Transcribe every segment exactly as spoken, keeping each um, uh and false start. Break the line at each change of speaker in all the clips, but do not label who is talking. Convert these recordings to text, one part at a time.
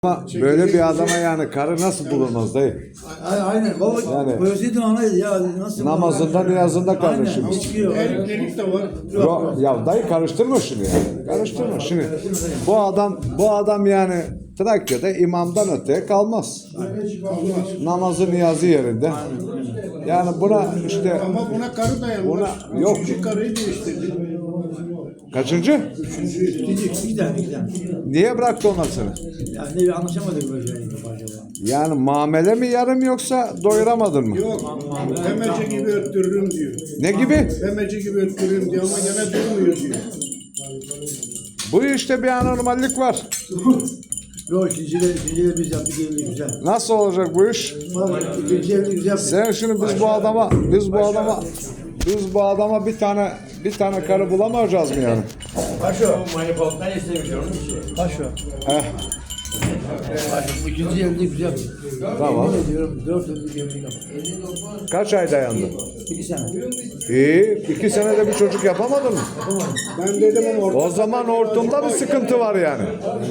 Ama böyle bir adama yani karı nasıl bulunmaz dayı?
Aynen baba
Yani-
koysaydın ona ya nasıl
Namazında niyazında kardeşim.
Aynen çıkıyor.
Evlilik de var.
Yo, ya dayı karıştırma şunu yani. Karıştırma şimdi. Bu adam bu adam yani Trakya'da imamdan öteye kalmaz. Namazı niyazı yerinde. Yani buna işte
Ama buna karı dayanmaz.
Buna- yok.
Üçüncü karıyı değiştirdi.
kaçıncı?
İkinci, iki tane, iki tane.
Niye bıraktı onlar seni?
Yani ne bir anlaşamadık böyle şeyle acaba.
Yani muamele mi yarım yoksa doyuramadın mı?
Yok. Demece gibi öttürürüm diyor.
Ne gibi?
Demece gibi öttürürüm diyor ama gene durmuyor diyor.
Bu işte bir anormallik var.
Yok ikinci de, ikinci de biz yaptık evli güzel.
Nasıl olacak bu iş?
Bak ikinci evli güzel.
Sen şimdi biz bu adama biz bu adama biz bu adama bir tane bir tane karı bulamayacağız mı yani?
Paşo. Manipotlar istemiş onun. Paşo.
Eh,
Paşo. İkinci evli güzel.
tamam.
Yemin ediyorum dört evlilik evlilik yaptık.
Kaç ay dayandı?
İki sene.
İyi. iki senede bir çocuk yapamadın mı?
Ben dedim ama orta
O zaman hortumda bir sıkıntı var yani.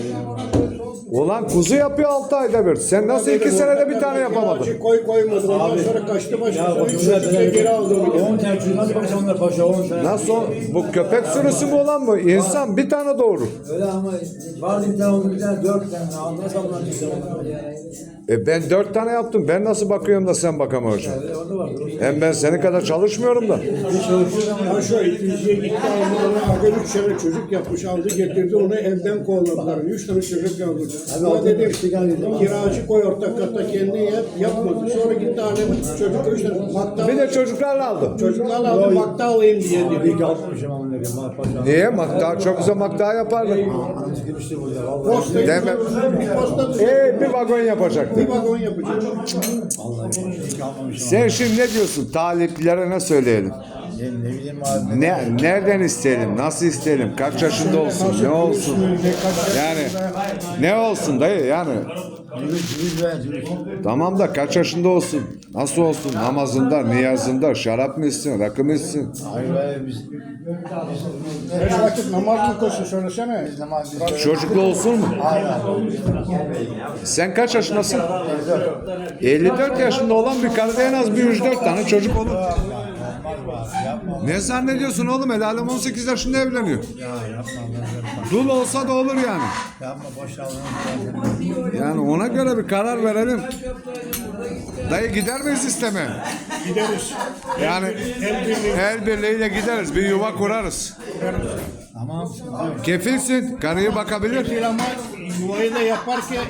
Ulan kuzu yapıyor altı ayda bir. Sen nasıl iki senede bir tane yapamadın?
kiracı koy koymadı. Ondan sonra kaçtı başka. Sonra üç çocukla geri aldı.
on tane çocuk nasıl bakacağım onlar paşa on tane.
Nasıl? o- Bu köpek sürüsü mü olan mı? İnsan bir tane doğurur.
Öyle ama vardı bir tane oldu bir tane dört tane. Nasıl aldılar çıktı onlar?
E ben dört tane yaptım. Ben nasıl bakıyorum da sen bakamıyorsun?
Öyle orada vardı.
Hem ben senin kadar çalışmıyorum da.
Bir çalışıyor ama.
Ha şu ikinciye gitti aldı ona. Aga üç tane çocuk yapmış aldı getirdi onu evden kovaladılar. Üç tane çocuk yapmış. Ama dedim kiracı koy ortak katta kendine yap. Yapmadı. Sonra gitti alem çocuk üç tane. Makta,
Bir de çocuklarla aldım.
çocuklarla aldı makta alayım diye dedi.
Bir kalkmışım ama ne kadar paşa.
Niye? Makta çok güzel makta yapardı.
Anam sıkılmıştı burada. Vallahi.
Postayı
Deme.
bir posta
E bir vagon yapacaktı.
bir vagon yapacak.
Vallahi hiç kalmamışım.
Sen şimdi ne diyorsun? Taliplere ne söyleyelim?
Ne, ne bileyim abi.
Ne, nereden isteyelim? Nasıl isteyelim? Kaç yaşında olsun? Ne olsun? Yani ne olsun dayı yani?
Cüvüz cüvüz ver cüvüz.
Tamam da kaç yaşında olsun? Nasıl olsun? Namazında, niyazında, şarap mı içsin, rakı mı içsin?
Hayır be biz.
Beş vakit namaz mı koşuyor söylesene.
Biz namaz biz.
Çocuklu olsun mu?
Hayır.
Sen kaç yaşındasın? elli dört yaşında olan bir karıda en az bir üç dört tane çocuk olur.
Yapma yapma.
Ne zannediyorsun oğlum? El alem on sekiz yaşında evleniyor.
Ya yapma.
Dul olsa da olur yani.
Yapma boş al.
Yani ona göre bir karar verelim. Dayı gider miyiz isteme?
Gideriz.
Yani el birliğiyle gideriz. Bir yuva kurarız.
Tamam sıkıntı yok.
Kefilsin. Karıyı bakabilir.
Bir ama yuvayı da yaparken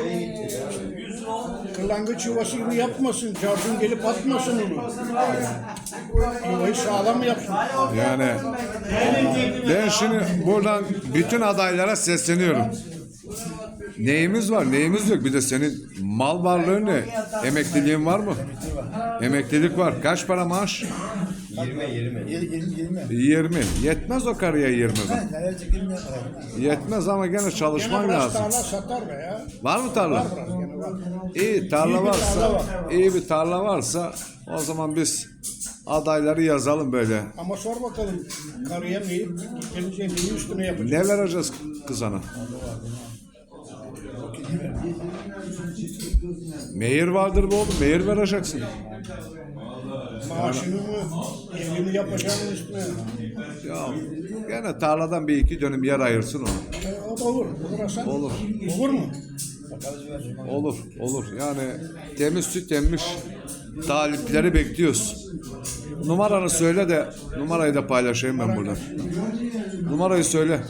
kırlangıç yuvası gibi yapmasın. Carcun gelip atmasın onu. Yuvayı sağlam yapsın.
Yani ben şimdi buradan bütün adaylara sesleniyorum. Neyimiz var, neyimiz yok. Bir de senin mal varlığın ne? Emekliliğin var mı? Emeklilik var. Kaç para maaş?
Yirmi yirmi.
yirmi. Yetmez o karıya yirmi bin.
Nereye çekilmiyor?
Yetmez ama gene çalışman
Gene biraz
lazım.
tarla satar be ya.
Var mı tarla?
Gene var.
İyi tarla varsa, iyi bir tarla varsa o zaman biz adayları yazalım böyle.
Ama sor bakalım karıya neyi, gelince neyi üstüne yapacak.
Ne vereceğiz kızana? Mehir vardır bu oğlum. Mehir vereceksin.
Maaşını mı, evini yapacağının üstüne.
Ya gene tarladan bir iki dönüm yer ayırsın onu.
E, o da olur. Olur Hasan.
Olur.
Olur mu?
Olur. Olur. Yani temiz süt emmiş talipleri bekliyoruz. Numaranı söyle de numarayı da paylaşayım ben buradan. Numarayı söyle.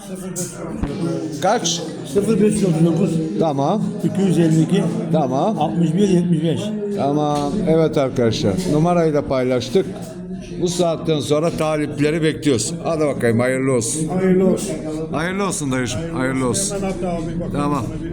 Kaç?
sıfır beş otuz dokuz
Tamam.
iki yüz elli iki
Tamam.
altmış bir yetmiş beş.
Tamam. Evet arkadaşlar. Numarayı da paylaştık. Bu saatten sonra talipleri bekliyoruz. Hadi bakayım hayırlı olsun.
Hayırlı olsun.
Hayırlı olsun dayıcığım. Hayırlı olsun.
Hemen hatta abi bakalım.
Tamam.
Bir